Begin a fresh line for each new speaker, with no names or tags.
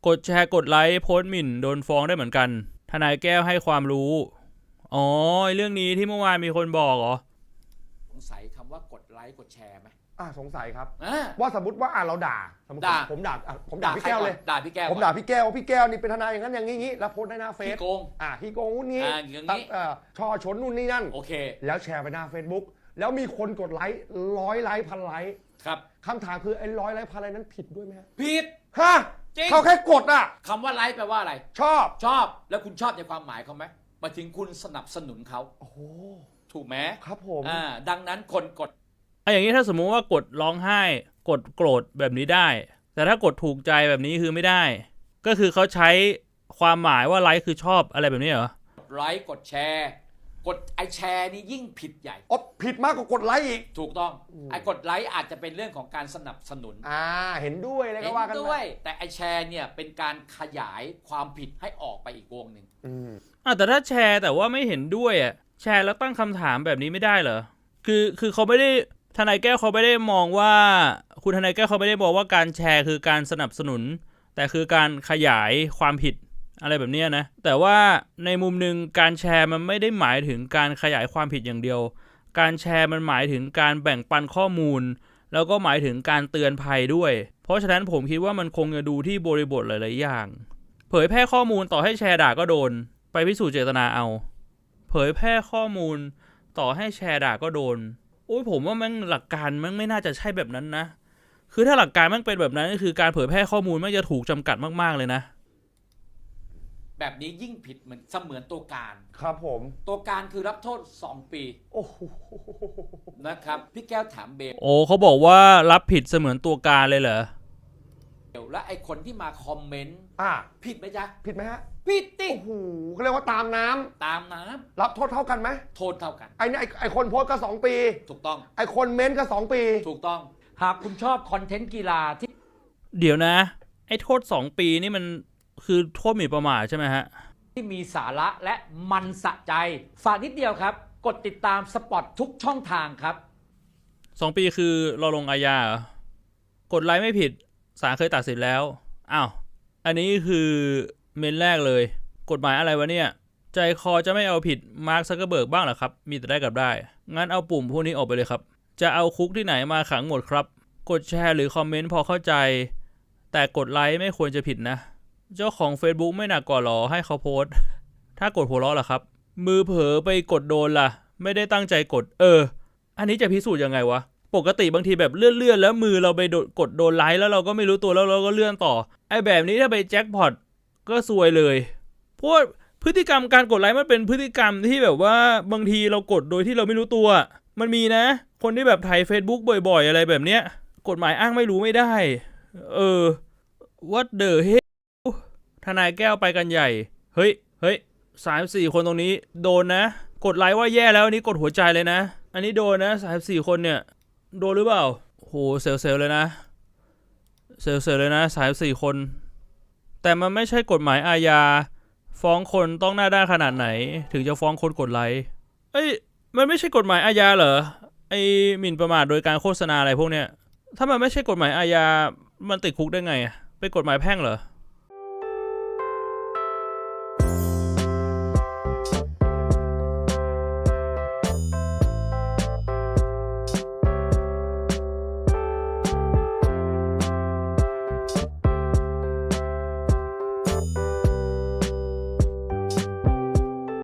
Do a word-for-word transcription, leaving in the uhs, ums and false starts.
กดแชร์กดไลค์โพสต์หมิ่นโดนฟ้องได้เหมือนกันทนายแก้วให้ความรู้อ๋อเรื่องนี้ที่เมื่อวานมีคนบอกเหรอ
สงสัยคำว่ากดไลค์กดแชร์ไหม
อ่าสงสัยครับ
อ่า
ว่าสมมติว่าอ่าเราด่าสมมติ
ด่า
ผมด่าอ่ะผมด่าพี่แก้วเลย
ด่าพี่แก้ว
ผมด่าพี่แก้วว่าพี่แก้วนี่เป็นทนายอย่างนั้นอย่างนี้แล้วโพสต์ในหน้าเฟซ
ขี้โกง
อ่าขี้โกงนู่นนี่
อ่าอย่างนี้
เอ่อช่อชนนู่นนี่นั่น
โอเค
แล้วแชร์ไปหน้า Facebook แล้วมีคนกดไลค์ร้อยไลค์พันไลค์
ครับ
คำถามคือไอ้ร้อยไลค์พันไลค์นั้นผิดด้วยไหมฮะ
ผิด
ฮะเขาแค่กดอ่ะ
คำว่าไลค์แปลว่าอะไร
ชอบ
ชอบแล้วคุณชอบในความหมายเขาไหมมาถึงคุณสนับสนุนเขา
โอ้โห
ถูกไหม
ครับผม
อ่าดังนั้นคนกด
ไอ้อย่างนี้ถ้าสมมุติว่ากดร้องไห้กดโกรธแบบนี้ได้แต่ถ้ากดถูกใจแบบนี้คือไม่ได้ก็คือเขาใช้ความหมายว่าไลค์คือชอบอะไรแบบนี้เหรอก
ดไลค์กดแชร์กดไอแชร์นี่ยิ่งผิดใหญ่
อ๋อผิดมากกว่ากดไลค์อีก
ถูกต้องไอกดไลค์อาจจะเป็นเรื่องของการสนับสนุน
อ่าเห็นด้วยเลยก็ว่ากัน
ด้วยแต่ไอแชร์เนี่ยเป็นการขยายความผิดให้ออกไปอีกวงหนึ่ง
อืมอ่าแต่ถ้าแชร์แต่ว่าไม่เห็นด้วยอ่ะแชร์แล้วตั้งคำถามแบบนี้ไม่ได้เหรอคือคือเขาไม่ได้ทนายแก้วเขาไม่ได้มองว่าคุณทนายแก้วเขาไม่ได้บอกว่าการแชร์คือการสนับสนุนแต่คือการขยายความผิดอะไรแบบนี้นะแต่ว่าในมุมนึงการแชร์มันไม่ได้หมายถึงการขยายความผิดอย่างเดียวการแชร์มันหมายถึงการแบ่งปันข้อมูลแล้วก็หมายถึงการเตือนภัยด้วยเพราะฉะนั้นผมคิดว่ามันคงจะดูที่บริบทหลายๆอย่างเผยแพร่ข้อมูลต่อให้แชร์ด่าก็โดนไปพิสูจน์เจตนาเอาเผยแพร่ข้อมูลต่อให้แชร์ด่าก็โดนโอ้ยผมว่ามันหลักการมันไม่น่าจะใช่แบบนั้นนะคือถ้าหลักการมันเป็นแบบนั้นก็คือการเผยแพร่ข้อมูลมันจะถูกจำกัดมากๆเลยนะ
แบบนี้ยิ่งผิดเหมือนเสมือนตัวการ
ครับผม
ตัวการคือรับโทษสองปี
โอ้โห
นะครับพี่แก้วถามเบล
โอ้เขาบอกว่ารับผิดเสมือนตัวการเลยเหรอ
และไอคนที่มาคอมเมนต์
อ่า
ผิดไหมจ๊ะ
ผิดไหมฮะ
ผิดติ
โอ้โหเขาเรียกว่าตามน้ำ
ตามน้
ำรับโทษเท่ากันไหม
โทษเท่ากัน
ไอ้นี่ไอ้คนโพสก็สองปี
ถูกต้อง
ไอ้คนเม้นก็สองปี
ถูกต้องหากคุณชอบคอนเทนต์กีฬาที่
เดี๋ยวนะไอ้โทษสองปีนี่มันคือโทษหมิ่นประมาทใช่ไหมฮะ
ที่มีสาระและมันสะใจฝากนิดเดียวครับกดติดตามสปอตทุกช่องทางครับ
สองปีคือเราลงอาญาเหรอกดไลค์ไม่ผิดศาลเคยตัดสินแล้วอ้าวอันนี้คือเมนแรกเลยกฎหมายอะไรวะเนี่ยใจคอจะไม่เอาผิดมาร์คซักเกอร์เบิร์กบ้างเหรอครับมีแต่ได้กับได้งั้นเอาปุ่มพวกนี้ออกไปเลยครับจะเอาคุกที่ไหนมาขังหมดครับกดแชร์หรือคอมเมนต์พอเข้าใจแต่กดไลค์ไม่ควรจะผิดนะเจ้าของ Facebook ไม่หนักกว่าหรอให้เขาโพสต์ถ้ากดหัวเราะล่ะครับมือเผลอไปกดโดนล่ะไม่ได้ตั้งใจกดเอออันนี้จะพิสูจน์ยังไงวะปกติบางทีแบบเลื่อนๆแล้วมือเราไปกดโดนไลค์แล้วเราก็ไม่รู้ตัวแล้วเราก็เลื่อนต่อไอ้แบบนี้ถ้าไปแจ็คพอตก็ซวยเลยเพราะพฤติกรรมการกดไลค์มันเป็นพฤติกรรมที่แบบว่าบางทีเรากดโดยที่เราไม่รู้ตัวมันมีนะคนที่แบบไถ Facebook บ่อยๆอะไรแบบเนี้ยกฎหมายอ้างไม่รู้ไม่ได้เออ what the hell ทนายแก้วไปกันใหญ่เฮ้ยเฮ้ยสามสี่คนตรงนี้โดนนะกดไลค์ว่าแย่แล้วอันนี้กดหัวใจเลยนะอันนี้โดนนะสามสี่คนเนี่ยโดนหรือเปล่าโหเซลเซลเลยนะเซลเซลเลยนะสามสี่คนแต่มันไม่ใช่กฎหมายอาญาฟ้องคนต้องหน้าด้านขนาดไหนถึงจะฟ้องคนกดไลค์เอ้ยมันไม่ใช่กฎหมายอาญาเหรอไอ้หมิ่นประมาทโดยการโฆษณาอะไรพวกเนี้ยถ้ามันไม่ใช่กฎหมายอาญามันติดคุกได้ไงเป็นกฎหมายแพ่งเหรอ